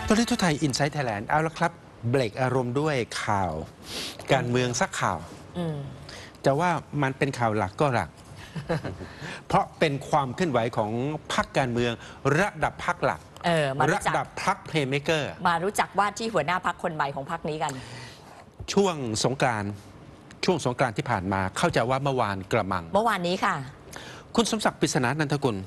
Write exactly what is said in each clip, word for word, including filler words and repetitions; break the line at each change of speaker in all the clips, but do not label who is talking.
ตัวเลขทั่วไทยอินไซต์ไทยแลนด์เอาละครับเบรกอารมณ์ด้วยข่าวการเมืองสักข่าวจะว่ามันเป็นข่าวหลักก็หลัก เพราะเป็นความเคลื่อนไหวของพรรคการเมืองระดับพรรคหลัก
เออมา
ระดับพรรคเพลย์เมเกอร์
มารู้จักว่าที่หัวหน้าพรรคคนใหม่ของพรรคนี้กัน
ช่วงสงกรานต์ช่วงสงกรานต์ที่ผ่านมาเข้าใจว่าเมื่อวานกระมัง
เมื่อวานนี้ค่ะ
คุณสมศักดิ์ ปริศนานันทกุล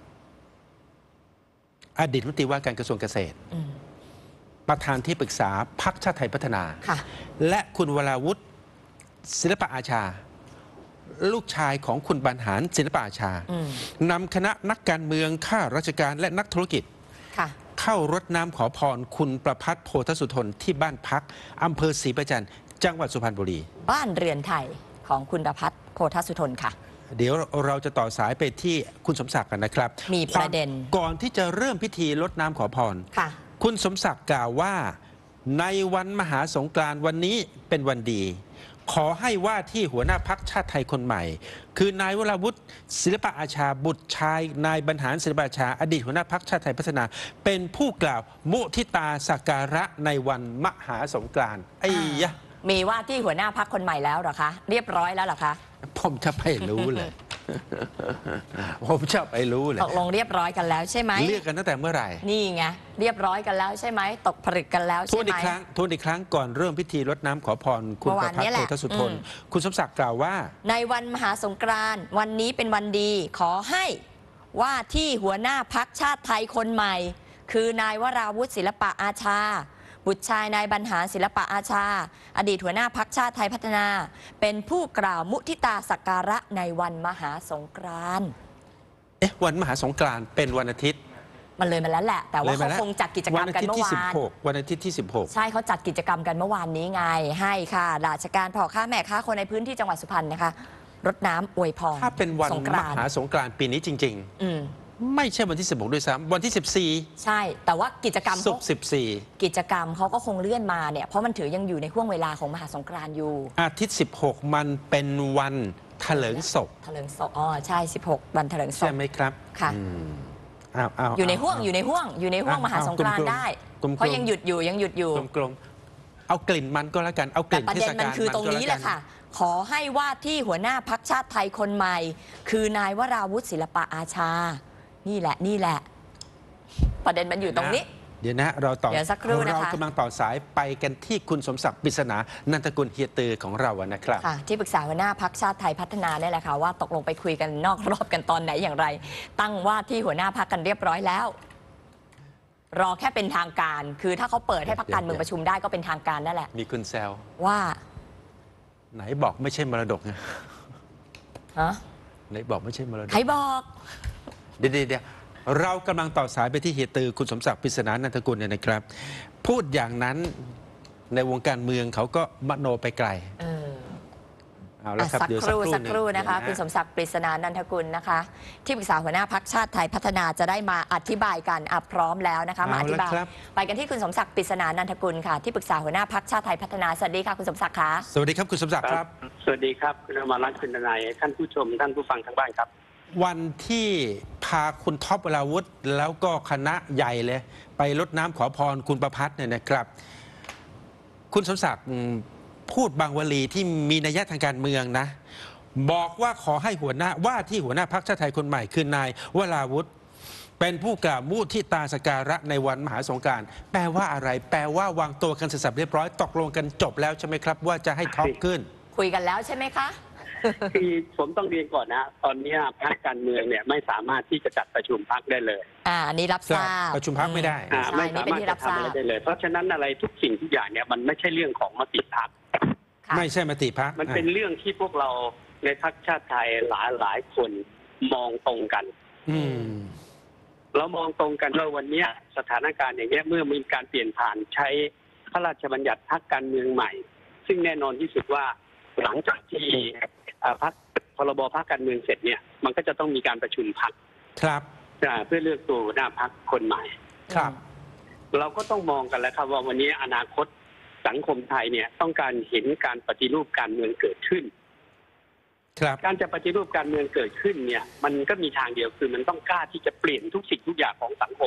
อดีตรัฐมนตรีว่าการกระทรวงเกษตรประธานที่ปรึกษาพรรคชาติไทยพัฒนาและคุณวราวุฒิศิลปะอาชาลูกชายของคุณบรรหารศิลปะอาชานำคณะนักการเมืองข้าราชการและนักธุรกิจเข้ารดน้ำขอพรคุณประภัสโพธสุทนที่บ้านพักอำเภอศรีประจันทร์จังหวัดสุพรรณบุรี
บ้านเรือนไทยของคุณประภัสโพธสุทนค่ะ
เดี๋ยวเราจะต่อสายไปที่คุณสมศักดิ์กันนะครับ
มีประเด็น
ก่อนที่จะเริ่มพิธีรดน้ำขอพรคุณสมศักดิ์กล่าวว่าในวันมหาสงกรานต์วันนี้เป็นวันดีขอให้ว่าที่หัวหน้าพรรคชาติไทยคนใหม่คือ นายวราวุฒิศิลปะอาชาบุตรชายนายบรรหารศิลปะอาชาอดีตหัวหน้าพรรคชาติไทยพัฒนาเป็นผู้กล่าวมุทิตาสักการะในวันมหาสงกรานต์ไอ้ยะ
มีว่าที่หัวหน้าพรรคคนใหม่แล้วเหรอคะเรียบร้อยแล้วเหรอคะ
ผมจะไปรู้เลยผมจะไปรู้เลย
ตกลงเรียบร้อยกันแล้วใช่ไหม
เรียกกันตั้งแต่เมื่อไหร่
นี่ไงเรียบร้อยกันแล้วใช่ไหมตกผลึกกันแล้วใช่ไหมทวน
อีกครั้งทวนอีกครั้งก่อนเริ่มพิธีรดน้ำขอพรคุณประภัสโพธสุทนคุณสมศักดิ์กล่าวว่า
ในวันมหาสงกรานต์วันนี้เป็นวันดีขอให้ว่าที่หัวหน้าพรรคชาติไทยคนใหม่คือนายวราวุฒิศิลปะอาชาบุตรชายนายบรรหารศิลปะอาชาอดีตหัวหน้าพรรคชาติไทยพัฒนาเป็นผู้กล่าวมุทิตาสักการะในวันมหาสงกรานต์
เอ๊ะวันมหาสงกรานต์เป็นวันอาทิตย์
มันเลยมาแล้วแหละแต่ว่าเขาคงจัดกิจกรรมกันเมื่อวาน
วันอาทิตย์ที่สิบหก
ใช่เขาจัดกิจกรรมกันเมื่อวานนี้ไงให้ค่ะราชการพ่อค้าแม่ค้าคนในพื้นที่จังหวัดสุพรรณนะคะรดน้ำอวยพร
ถ้าเป็นวันมหาสงกรานต์ปีนี้จริงๆอืไม่ใช่วันที่สิบหกด้วยซ้ำวันที่สิบสี่
ใช่แต่ว่ากิจกรรม
ศุกร์สิบสี่
กิจกรรมเขาก็คงเลื่อนมาเนี่ยเพราะมันถือยังอยู่ในห่วงเวลาของมหาสงกรานต์อยู่
อาทิตย์สิบหกมันเป็นวันเถลิงศพ
เถลิงศพอ๋อใช่สิบหกวันเถลิงศพ
ใช่ไหมครับ
ค่ะอยู่ในห่วงอยู่ในห่วงอยู่ในห่วงมหาสงกรานต์ได้เพราะยังหยุดอยู่ยังหยุดอยู่
กลมๆเอากลิ่นมันก็แล้วกันเอากลิ่น
เทศกาลมันคือตรงนี้แหละค่ะขอให้ว่าที่หัวหน้าพรรคชาติไทยคนใหม่คือนายวราวุฒิศิลปะอาชานี่แหละนี่แหละประเด็นมันอยู่ตรงนี้
เดี๋ยวนะเราต่อ
เรา
กำลังต่อสายไปกันที่คุณสมศักดิ์ ปริศนานันทกุลเฮียตือของเรานะครับ
ที่ปรึกษาหัวหน้าพรรคชาติไทยพัฒนาเนี่ยแหละค่ะว่าตกลงไปคุยกันนอกรอบกันตอนไหนอย่างไรตั้งว่าที่หัวหน้าพรรคกันเรียบร้อยแล้วรอแค่เป็นทางการคือถ้าเขาเปิดให้พรรคการเมืองประชุมได้ก็เป็นทางการนั่นแหละ
มีคุณแซว
ว่า
ไหนบอกไม่ใช่มรดกไง
ฮะ
ไหนบอกไม่ใช่มรดก
ใครบอก
เดี๋ยวเดี๋ยวเรากำลังต่อสายไปที่เฮียตือคุณสมศักดิ์ ปริศนานันทกุลเนี่ยนะครับพูดอย่างนั้นในวงการเมืองเขาก็มโนไปไกล
เอาละครับสักครู่สักครู่นะคะคุณสมศักดิ์ ปริศนานันทกุลนะคะที่ปรึกษาหัวหน้าพรรคชาติไทยพัฒนาจะได้มาอธิบายกันอ่ะพร้อมแล้วนะคะมาอธิบายไปกันที่คุณสมศักดิ์ ปริศนานันทกุลค่ะที่ปรึกษาหัวหน้าพรรคชาติไทยพัฒนาสวัสดีค่ะคุณสมศักดิ์ค่ะ
สวัสดีครับคุณสมศักดิ์ครับ
สวัสดีครับคุณอมรรัตน์คุณทนายท่านผู้ชมท่านผู้ฟังทั้งบ้านครับ
วันที่พาคุณท็อปวราวุฒิแล้วก็คณะใหญ่เลยไปรดน้ำขอพรคุณประภัสเนี่ยนะครับคุณสมศักดิ์พูดบางวลีที่มีนัยทางการเมืองนะบอกว่าขอให้หัวหน้าว่าที่หัวหน้าพรรคชาติไทยคนใหม่คือนายวราวุฒิเป็นผู้กล่าวมุทิตาสักการะในวันมหาสงกรานต์แปลว่าอะไรแปลว่าวางตัวกันเสร็จสับเรียบร้อยตกลงกันจบแล้วใช่ไหมครับว่าจะให้ท็อปขึ้น
คุยกันแล้วใช่ไหมคะ
คือผมต้องเรียนก่อนนะตอนนี้พรรคการเมืองเนี่ยไม่สามารถที่จะจัดประชุมพรรคได้เลย
อ่าอันนี้รับทราบ
ประชุมพรรคไม่ได้
ไม่สามารถจะทำอะไรได้เลยเพราะฉะนั้นอะไรทุกสิ่งทุกอย่างเนี่ยมันไม่ใช่เรื่องของมติพรรค
ไม่ใช่มติพรรค
มันเป็นเรื่องที่พวกเราในพรรคชาติไทยหลายหลายคนมองตรงกัน
อืม
เรามองตรงกันว่าวันนี้สถานการณ์อย่างเงี้ยเมื่อมีการเปลี่ยนผ่านใช้พระราชบัญญัติพรรคการเมืองใหม่ซึ่งแน่นอนที่สุดว่าหลังจากที่พรรคพรบพรรคการเมืองเสร็จเนี่ยมันก็จะต้องมีการประชุมพรรค
ครับ
เพื่อเลือกตัวหน้าพรรคคนใหม่
ครับ
เราก็ต้องมองกันแล้วครับว่าวันนี้อนาคตสังคมไทยเนี่ยต้องการเห็นการปฏิรูปการเมืองเกิดขึ้น
ครับ
การจะปฏิรูปการเมืองเกิดขึ้นเนี่ยมันก็มีทางเดียวคือมันต้องกล้าที่จะเปลี่ยนทุกสิ่งทุกอย่างของสังคม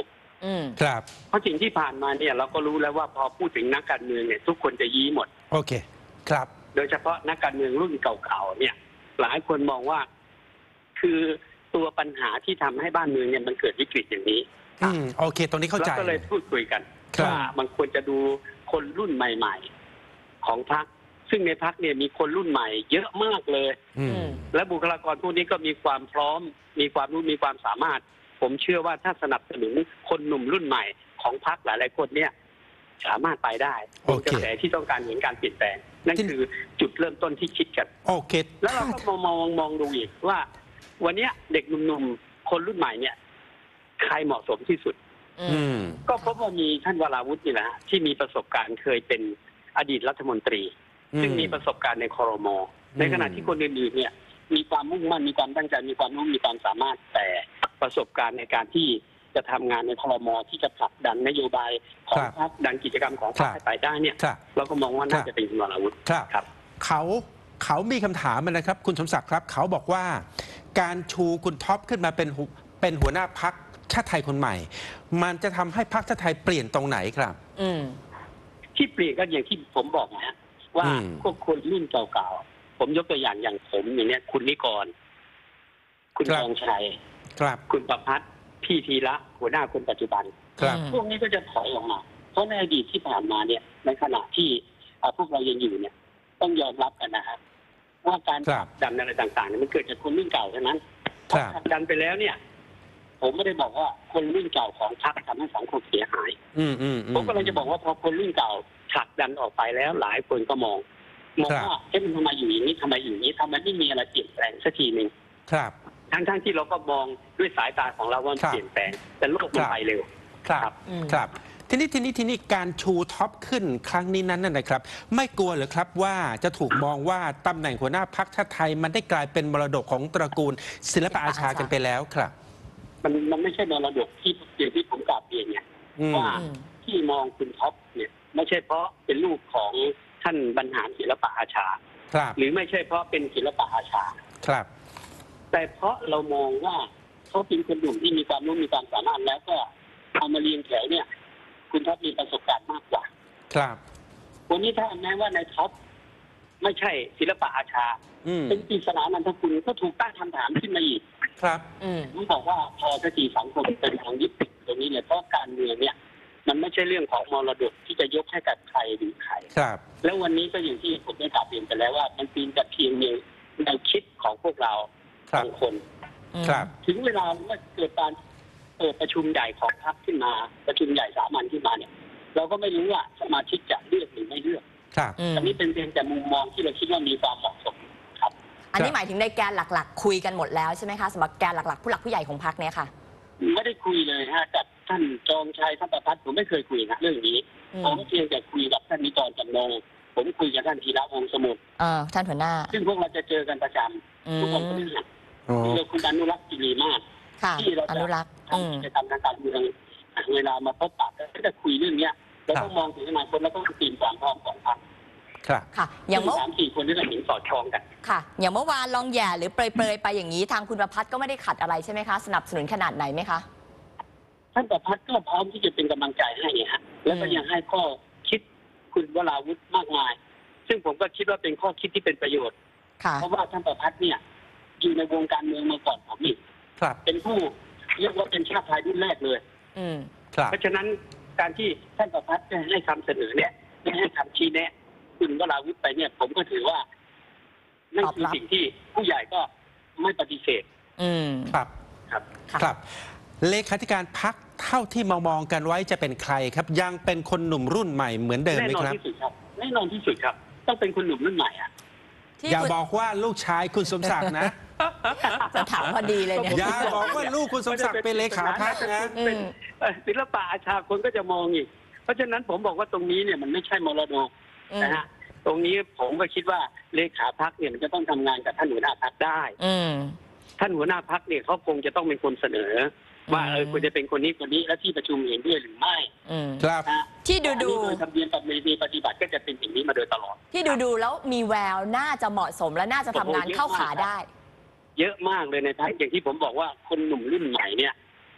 อืม
ครับ
เพราะสิ่งที่ผ่านมาเนี่ยเราก็รู้แล้วว่าพอพูดถึงนักการเมืองเนี่ยทุกคนจะยี้หมด
โอเคครับ
โดยเฉพาะนักการเมืองรุ่นเก่าๆเนี่ย หลายคนมองว่าคือตัวปัญหาที่ทำให้บ้านเมืองเนี่ยมันเกิดวิกฤตอย่างนี้
อืมโอเค ตรงนี้เข้าใจ
แล้วก็เลยพูดคุยกัน
ครับ
ว่ามันควรจะดูคนรุ่นใหม่ๆของพรรคซึ่งในพรรคเนี่ยมีคนรุ่นใหม่เยอะมากเลย
อืม
และบุคลากรพวกนี้ก็มีความพร้อม มีความรู้มีความสามารถ ผมเชื่อว่าถ้าสนับสนุนคนหนุ่มรุ่นใหม่ของพรรคหลายๆคนเนี่ยสามารถไปได้
โอเค
กระแสที่ต้องการเห็นการเปลี่ยนแปลงนั่นคือจุดเริ่มต้นที่คิดกัน
โอเค
แล้วเราก็มองมองมองดูอีกว่า วันเนี้ยเด็กหนุ่มๆคนรุ่นใหม่เนี่ยใครเหมาะสมที่สุด
อืม
ก็พบว่ามีท่านวราวุฒินี่แหละฮะที่มีประสบการณ์เคยเป็นอดีตรัฐมนตรี ซึ่งมีประสบการณ์ในครม.ในขณะที่คนอื่นๆเนี่ยมีความมุ่งมั่นมีความตั้งใจมีความรู้มีความสามารถแต่ประสบการณ์ในการที่จะทำงานในครม.ที่จะผลักดันนโยบายของพรรคดันกิจกรรมของพรรคให้ไปได้เนี่ย
ครับ
เราก็มองว่าน่าจะเป็นคุณวราวุฒิ
ครับ
ครับ
เขาเขามีคำถามนะครับ คุณสมศักดิ์ครับ เขาบอกว่าการชูคุณท็อปขึ้นมาเป็นหัวเป็นหัวหน้าพักชาติไทยคนใหม่ มันจะทำให้พรรคชาติไทยเปลี่ยนตรงไหนครับ
อืม
ที่เปลี่ยนก็อย่างที่ผมบอกนะฮะว่า
อืม
พวกคนรุ่นเก่าๆผมยกตัวอย่างอย่างผมอย่างเนี้ยคุณนิกร คุณทองชัย
ครับ
คุณประพัฒน์พี่ธีระหัวหน้าคนปัจจุบัน
ครับ
อืม
พวกนี้ก็จะถอยออกมา เพราะในอดีตที่ผ่านมาเนี่ย ในขณะที่อ่าพวกเรายังอยู่เนี่ย ต้องยอมรับกันนะครับว่าการ
ครับ
ดันอะไรต่างๆเนี่ยมันเกิดจากคนรุ่นเก่าเท่านั้นพ
ค
อ
รับ
ผลักดันไปแล้วเนี่ย ผมไม่ได้บอกว่าคนรุ่นเก่าของพรรคทำให้สังคมเสียหาย
อืมอืมอื
ผมก็เลยจะบอกว่าพอคนรุ่นเก่าผลักดันออกไปแล้ว หลายคนก็มอง มอง
ครับ
ว่าเอ๊ะมันทำไมอยู่อย่างนี้ทำไมอยู่อย่างนี้ทำไมไม่มีอะไรเปลี่ยนแปลงสักทีหนึ่ง
ครับ
ทั้งๆที่เราก็มองด้วยสายตาของเราว่ามัน
ครับ
เปลี่ยนแปลง แต่โลกมัน
ครับ
ไปเร็ว
ครับ
ครับ
อืม
ครับ ทีนี้ทีนี้ทีนี้การชูท็อปขึ้นครั้งนี้นั้นน่ะนะครับ ไม่กลัวเหรือครับว่าจะถูกมองว่าตำแหน่งหัวหน้าพรรคชาติไทย มันได้กลายเป็นมรดกของตระกูล ศิลปอาชากันไปแล้วครับ
มันมันไม่ใช่มรดกที่อย่างที่ผมกล่าวเรียนเนี่ย
อืม
ว่า
อืม
ที่มองคุณท็อปเนี่ย ไม่ใช่เพราะเป็นลูกของท่านบรรหารศิลปอาชา
ครับ
หรือไม่ใช่เพราะเป็นศิลปอาชา
ครับ
แต่เพราะเรามองว่าเขาเป็นคนหนุ่มที่มีความรู้มีความสามารถแล้วก็เอามาเรียงแถวเนี่ย คุณท็อปมีประสบการณ์มากกว่า
ครับ
วันนี้ถ้าแม้ว่าในท็อปไม่ใช่ศิลปอาชา
อืม
เป็นปริศนานันทคุณก็ถูกตั้งคำถามขึ้นมาอีก
ครับ
อืม
ผมบอกว่าพอสติสังคมเป็นทางยึดติดตรงนี้เนี่ยเพราะการเมืองเนี่ย มันไม่ใช่เรื่องของมรดกที่จะยกให้กับใครหรือใคร
ครับ
แล้ววันนี้ก็อย่างที่ผมได้กล่าวเรียนไปแล้วว่ามันเป็นแต่เพียงแนวคิดของพวกเรา
ครับ
บางคน
ครับ
ถึงเวลาเมื่อเกิดการเปิดประชุมใหญ่ของพรรคขึ้นมา ประชุมใหญ่สามัญขึ้นมาเนี่ย เราก็ไม่รู้ว่าสมาชิกจะเลือกหรือไม่เลือก
ครับ
อืม
อันนี้เป็นเพียงแต่มุมมองที่เราคิดว่ามีความเหมาะสมครับ
อันนี้หมายถึงในแกนหลักๆ คุยกันหมดแล้วใช่ไหมคะสำหรับแกนหลักๆ ผู้หลักผู้ใหญ่ของพรรคเนี่ยค่ะ
ไม่ได้คุยเลยฮะกับท่านจองชัยท่านประพัฒน์ผมไม่เคยคุยนะเรื่องนี้
อืม
ผมเพียงแต่คุยกับท่านนิกรจำนงผมคุยกับท่านธีระวงศ์สมุทร
เออท่านหัวหน้า
ซึ่งพวกเราจะเจอกันประจ
อื
ำทุกคนก็
ม
ได้หัก
โอ้
เจอคุณอนุรักษ์กิรีมาศ
ค่ะ
ที่เรา
อ
จะ
นุรักษ์อืม
ทำกิจกรรมทางการเมืองเวลามาพบปะก็จะคุยเรื่องเนี้ยเราต้องมองถึงอนาคตแล้วก็ตีมความพร้อมของพรรค
ครับ
ค่ะ อย่างเมื่อ
สามสี่คนที่เราเห็นสอดคล้องกัน
ค่ะ อย่างเมื่อวานลองแย่หรือเปรยๆไปอย่างนี้ทางคุณประพัฒน์ก็ไม่ได้ขัดอะไรใช่ไหมคะ สนับสนุนขนาดไหนไหมคะ
ท่านประพัฒน์ก็พร้อมที่จะเป็นกำลังใจให้ฮะแล้วก็ยังให้ข้อคิดคุณวราวุฒิมากมาย ซึ่งผมก็คิดว่าเป็นข้อคิดที่เป็นประโยชน์
ค่ะ
เพราะว่าท่านประพัฒน์เนี่ยอยู่ในวงการเมืองมาก่อนผมอีก
ครับ
เป็นผู้เรียกว่าเป็นชาติไทยรุ่นแรกเลย
อืม
ครับ
เพราะฉะนั้นการที่ท่านประพัฒน์ได้ให้คำเสนอเนี่ยได้ให้คำชี้แนะคุณวราวุฒิไปเนี่ย ผมก็ถือว่านั่นคือสิ่งที่ผู้ใหญ่ก็ไม่ปฏิเสธ
อืม
ครับ
ครับ
ค่ะ
ครับ เลขาธิการพักเท่าที่มามองกันไว้จะเป็นใครครับ ยังเป็นคนหนุ่มรุ่นใหม่เหมือนเดิม
แน่
ไหม
นอน
ครับ
ที่สุดครับแน่นอนที่สุดครับ ต้องเป็นคนหนุ่มรุ่นใหม่อ่ะ
ที่
อย่า
คุณ
บอกว่าลูกชายคุณสมศักดิ์นะ
จะถามพอดีเลยเนี่ย
อย่าบอกว่าลูกคุณสมศักดิ์เป็นเลขาพักนะ
อื
เป็น
ม
เอ่อศิลปะอาชาคนก็จะมองอีก เพราะฉะนั้นผมบอกว่าตรงนี้เนี่ยมันไม่ใช่มรดก
อืม
นะฮะตรงนี้ผมก็คิดว่าเลขาพักเนี่ยมันจะต้องทำงานกับท่านหัวหน้าพักได้
อืม
ท่านหัวหน้าพักเนี่ยเขาคงจะต้องเป็นคนเสนอ ว่า
อืม
เออควรจะเป็นคนนี้คนนี้และที่ประชุมเห็นด้วยหรือไม่
อืม
ครับ
นะ
ที่ดูดู
อันนี้โดยทะเบียนปฏิบัติก็จะเป็นอย่างนี้มาโดยตลอด
ที่ดูดูแล้วมีแววน่าจะเหมาะสมและน่าจะทำงานเข้าขาได้
เยอะมากเลยในพักอย่างที่ผมบอกว่าคนหนุ่มรุ่นใหม่เนี่ย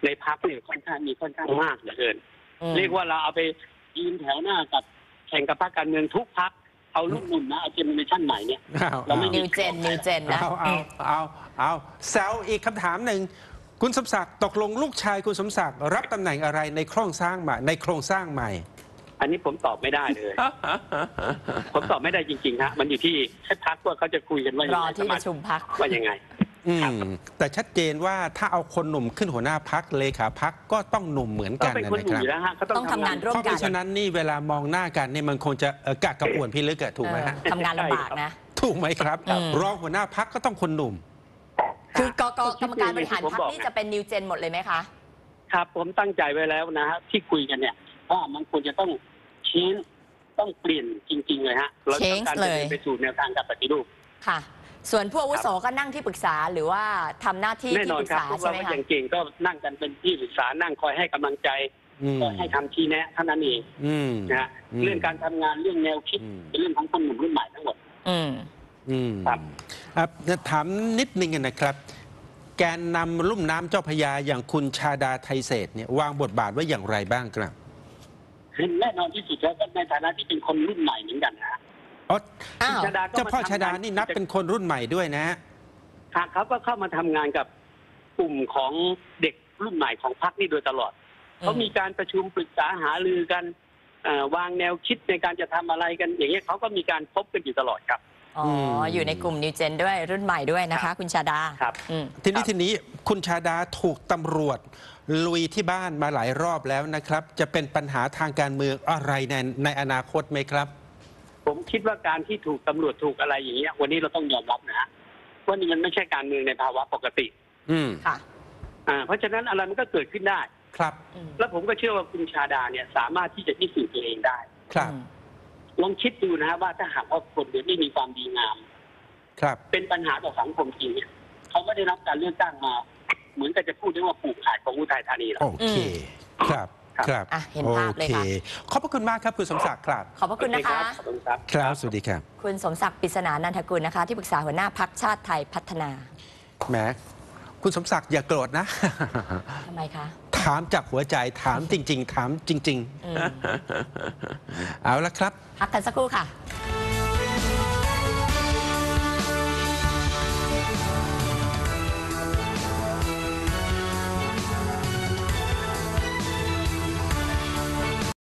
ในพรรคเนี่ยค่อนข้างมีค่อนข้างมากเหลือเกิน
อืม
เรียกว่าเราเอาไปยืนแถวหน้ากับแข่งกับพรรคการเมืองทุกพรรคเอาลูกหมุนนะเอาเจเนอเรชั่นใหม่เนี่ย
เอา
เราไม่
นิวเจนนิวเจนนะ
เอาเอาเอาเอาแซวอีกคำถามหนึ่งคุณสมศักดิ์ตกลงลูกชายคุณสมศักดิ์รับตำแหน่งอะไรในโครงสร้างใหม่ในโครงสร้างใหม่
อันนี้ผมตอบไม่ได้เลย ผมตอบไม่ได้จริงๆฮะมันอยู่ที่แค่พรรคว่าเขาจะคุยกันว่ายั
รง อ
ไง
ที่ประชุมพัก
ว่ายังไง
อืมแต่ชัดเจนว่าถ้าเอาคนหนุ่มขึ้นหัวหน้าพักเลขาพักก็ต้องหนุ่มเหมือน
ก็
กัน
เป็น
นะ
คนหนุ่
ครับ
มอยู่แล้วฮะเขาต้อง
ต้องทำงานร่วม
เพราะ
กั
เพราะฉะนั้นนี่เวลามองหน้ากันเนี่ยมันคงจะเอ่อกะกระอ่วนพิลึกอะถูกไหมฮะ
เออทำงานลำบากนะ
ถูกไหมครับ
อืม
รองหัวหน้าพักก็ต้องคนหนุ่ม
คือกกกรรมการบริหารพักนี่จะเป็นนิวเจนหมดเลยไหมคะ
ครับผมตั้งใจไว้แล้วนะฮะที่คุยกันเนี่ยว่ามันควรจะต้องชี้ต้องเปลี่ยนจริง ๆ เลยฮะเราต้องการ
Change เล
จะ
ย
เดินไปสู่แนวทางการปฏิรูป
ค่ะ ส่วนผู้อาวุโสก็นั่งที่ปรึกษาหรือว่าทำหน้าที่
แน่
ที่
นอ
ป
น
รึก
ครับ
ษา
พวก
ใช่
เรา
ไหม
ก็
คะ
อย่างเก่งก็นั่งกันเป็นที่ปรึกษานั่งคอยให้กำลังใจ
อืม
คอยให้คำชี้แนะเท่านั้นเอง
อืม
นะฮะ
อืม
เรื่องการทำงานเรื่องแนวคิด
อืม
เป็นเรื่องของคนหนุ่มรุ่นใหม่ทั้งหมด
อืม
อืม
ครับ
อ่ะถามนิดนึงนะครับ แกนนำลุ่มน้ำเจ้าพระยาอย่างคุณชาดาไทเศรษฐ์เนี่ยวางบทบาทไว้อย่างไรบ้างครับ
แน่นอนที่สุดแล้วก็ในฐานะที่เป็นคนรุ่นใหม่เหมือนกันนะฮะ
อ๋อ
อ้าว
คุณชาดาก็
เจ้าพ่อ
มทำง
ชาดานี่นับเป็นคนรุ่นใหม่ด้วยนะฮะ
หากเขาก็เข้ามาทำงานกับกลุ่มของเด็กรุ่นใหม่ของพรรคนี่โดยตลอด เขามีการประชุมปรึกษาหารือกันเอ่อวางแนวคิดในการจะทำอะไรกัน อย่างเงี้ยเขาก็มีการพบกันอยู่ตลอดครับ
อ๋อ อยู่ในกลุ่มนิวเจนด้วยรุ่นใหม่ด้วยนะคะ คุณชาดา
ครับ
อืม
ทีนี้ทีนี้คุณชาดาถูกตำรวจลุยที่บ้านมาหลายรอบแล้วนะครับ จะเป็นปัญหาทางการเมืองอะไรในในอนาคตไหมครับ
ผมคิดว่าการที่ถูกตำรวจถูกอะไรอย่างเงี้ยวันนี้เราต้องยอมรับนะฮะว่านี่มันไม่ใช่การเมืองในภาวะปกติ
อืม
ค่ะ
อ่าเพราะฉะนั้นอะไรมันก็เกิดขึ้นได้
ครับ
อืม
แล้วผมก็เชื่อว่าคุณชาดาเนี่ยสามารถที่จะพิสูจน์ตัวเองได้
ครับ
อืม
ลองคิดดูนะฮะว่าถ้าหากว่าคนเดียวไม่มีความดีงาม
ครับ
เป็นปัญหาต่อสังคมจริงเนี่ยเขาไม่ได้รับการเลือกตั้งมา เหมือนกับจะพูดได้ว่าปลูกขายของอุทัยธานีหรอก
โอเค ครับ ครับ
อ่ะเห็นภาพเลยค่ะ
โอขอบพระคุณมากครับคุณสมศักดิ์ครับ
ขอบพระคุณนะคะ
ขอบคุณครับ
ครับ สวัสดีครับ
คุณสมศักดิ์ปริศนานันทกุลนะคะ ที่ปรึกษาหัวหน้าพักชาติไทยพัฒนา
แหม คุณสมศักดิ์อย่าโกรธนะ
ทำไมคะ
ถามจากหัวใจ ถามจริง ๆ ถามจริง
อืม
ๆ เอาละครับ
พักกันสักครู่ค่ะ